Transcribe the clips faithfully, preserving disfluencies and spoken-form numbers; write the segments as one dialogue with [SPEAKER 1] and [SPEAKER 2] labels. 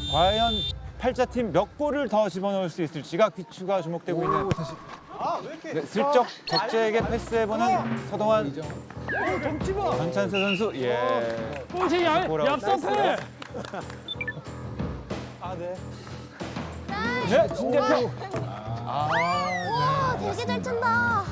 [SPEAKER 1] 과연 팔자팀 몇 골을 더 집어넣을 수 있을지가 귀추가 주목되고 있는.
[SPEAKER 2] 다시.
[SPEAKER 1] 네, 슬쩍 적재에게 패스해보는 서동환. 전찬세 선수. 예.
[SPEAKER 3] 꼴찌 야,
[SPEAKER 1] 골아웃.
[SPEAKER 3] 얍삽해.
[SPEAKER 2] 아, 네.
[SPEAKER 1] 네, 진재평.
[SPEAKER 4] 와, 되게 잘 찬다.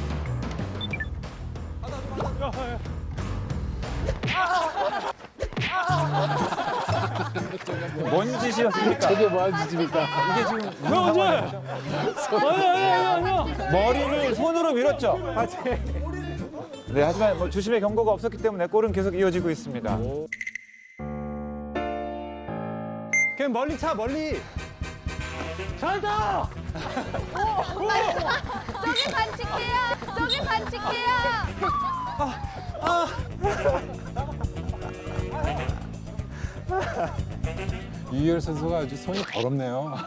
[SPEAKER 1] 뭔 짓이었습니까?
[SPEAKER 2] 저게 뭐하는 짓입니까?
[SPEAKER 1] 이게 지금 무슨
[SPEAKER 3] 형 언제?
[SPEAKER 1] 상황이죠?
[SPEAKER 3] 아니 아니 아니 아니.
[SPEAKER 1] 머리를 손으로 밀었죠. 네, 하지만 뭐 주심의 경고가 없었기 때문에 골은 계속 이어지고 있습니다.
[SPEAKER 2] 그냥 멀리 차, 멀리.
[SPEAKER 3] 잘한다.
[SPEAKER 4] 저기 반칙해요. 저기 반칙해요.
[SPEAKER 5] 이유열 선수가 아주 손이 더럽네요.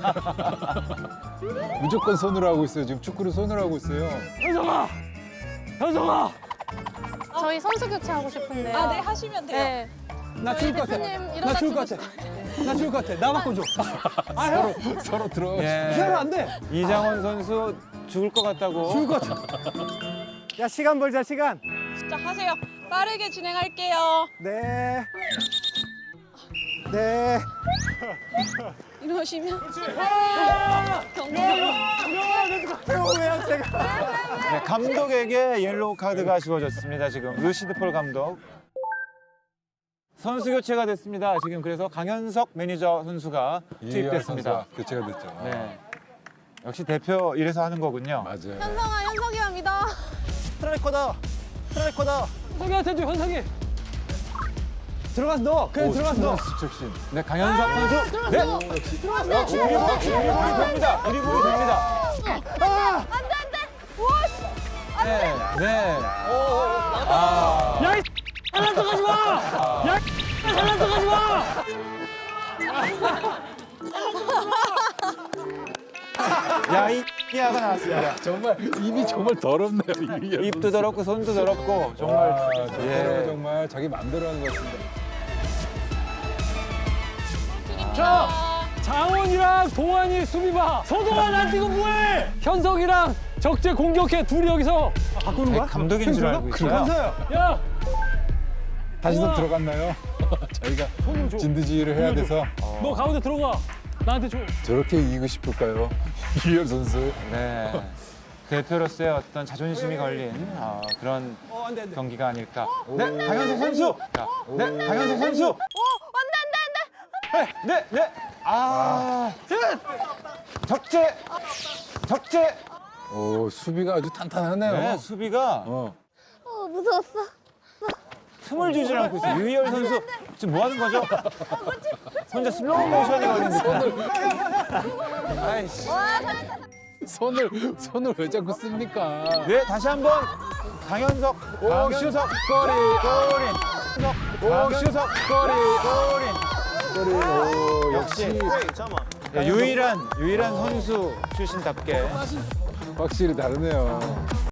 [SPEAKER 5] 무조건 손으로 하고 있어요. 지금 축구를 손으로 하고 있어요.
[SPEAKER 3] 현성아. 현성아.
[SPEAKER 6] 저희 선수 교체하고 싶은데요.
[SPEAKER 7] 아, 네, 하시면 돼요.
[SPEAKER 6] 네.
[SPEAKER 2] 나 죽을 것 같아.
[SPEAKER 6] 대표님
[SPEAKER 2] 나
[SPEAKER 6] 이러다
[SPEAKER 2] 죽을 것 같아. 나 죽을 것 같아. 나 바꿔줘. 아, 형.
[SPEAKER 5] 서로 들어가고
[SPEAKER 1] 예.
[SPEAKER 2] 피하면 안 돼.
[SPEAKER 1] 이장원 선수 죽을 것 같다고.
[SPEAKER 2] 죽을 것 같아. 야, 시간 벌자, 시간.
[SPEAKER 7] 자, 하세요. 빠르게 진행할게요.
[SPEAKER 2] 네. 네.
[SPEAKER 7] 이러시면 경고.
[SPEAKER 2] 태우네요, 제가.
[SPEAKER 1] 네, 감독에게 옐로우 카드가 지워졌습니다. 지금 루시드 폴 감독. 선수 교체가 됐습니다. 지금 그래서 강현석 매니저 선수가
[SPEAKER 5] 이유열
[SPEAKER 1] 투입됐습니다.
[SPEAKER 5] 선수가 교체가 됐죠.
[SPEAKER 1] 네. 역시 대표 이래서 하는 거군요.
[SPEAKER 5] 맞아요.
[SPEAKER 6] 현성아, 현석이만 믿어.
[SPEAKER 2] 스트라이커다. 스트라이커다.
[SPEAKER 3] 현석이한테 줘 현석이.
[SPEAKER 2] 들어가서 넣어. 그냥 들어가서 넣어.
[SPEAKER 5] 수척신.
[SPEAKER 1] 네, 강현석 선수. 네. 역시 드리블, 드리블이 됩니다. 드리블이 됩니다.
[SPEAKER 4] 안돼 안돼. 와 씨.
[SPEAKER 1] 네, 네. 아,
[SPEAKER 3] 야 이. 잘난 척하지 마. 야 이. 잘난 척하지 마.
[SPEAKER 1] 야이 야가 나왔습니다.
[SPEAKER 5] 정말 입이 정말 더럽네요. 이유열
[SPEAKER 1] 입도 더럽고 손도 더럽고 정말.
[SPEAKER 5] 아,
[SPEAKER 1] 예.
[SPEAKER 5] 예. 정말 자기 마음대로 하는 것 같습니다.
[SPEAKER 3] 자, 장원이랑 동환이 수비 봐. 서동환 안 뛰고 뭐해? 현석이랑 적재 공격해. 둘이 여기서.
[SPEAKER 2] 바꾸는
[SPEAKER 1] 네, 감독인 줄 알고 있어요.
[SPEAKER 2] 감사해요.
[SPEAKER 3] 야,
[SPEAKER 5] 다시 또
[SPEAKER 3] 우와.
[SPEAKER 5] 들어갔나요? 저희가
[SPEAKER 3] 손을 줘.
[SPEAKER 5] 진드지휘를 해야 돼서
[SPEAKER 3] 너 가운데 들어가. 나한테 줘.
[SPEAKER 5] 저렇게 이기고 싶을까요? 이유열 선수.
[SPEAKER 1] 네. 대표로서의 어떤 자존심이 걸린 어, 그런
[SPEAKER 2] 어, 안 돼, 안 돼.
[SPEAKER 1] 경기가 아닐까. 네, 강현석 선수. 자, 네, 강현석 선수.
[SPEAKER 4] 오 안돼 안돼 안돼.
[SPEAKER 1] 네, 네. 아, 적재, 적재.
[SPEAKER 5] 오, 수비가 아주 탄탄하네요.
[SPEAKER 1] 네, 수비가
[SPEAKER 5] 어.
[SPEAKER 4] 어 무서웠어.
[SPEAKER 1] 틈을 주질 않고 있어요. 유희열 선수 지금 뭐 하는 거죠? 혼자 슬로우 모션이 걸린 듯한. 아이씨.
[SPEAKER 4] 와 잘했다.
[SPEAKER 5] 손을 손을 왜 자꾸 씁니까?
[SPEAKER 1] 네, 다시 한번 강현석,
[SPEAKER 5] 오,
[SPEAKER 1] 강현석
[SPEAKER 5] 꼬리.
[SPEAKER 1] 골인. 강현석
[SPEAKER 5] 꼬리.
[SPEAKER 1] 골인.
[SPEAKER 5] 꼬리. 오,
[SPEAKER 1] 역시
[SPEAKER 5] 역시
[SPEAKER 1] 네, 유일한 유일한 선수 출신답게
[SPEAKER 5] 확실히 다르네요.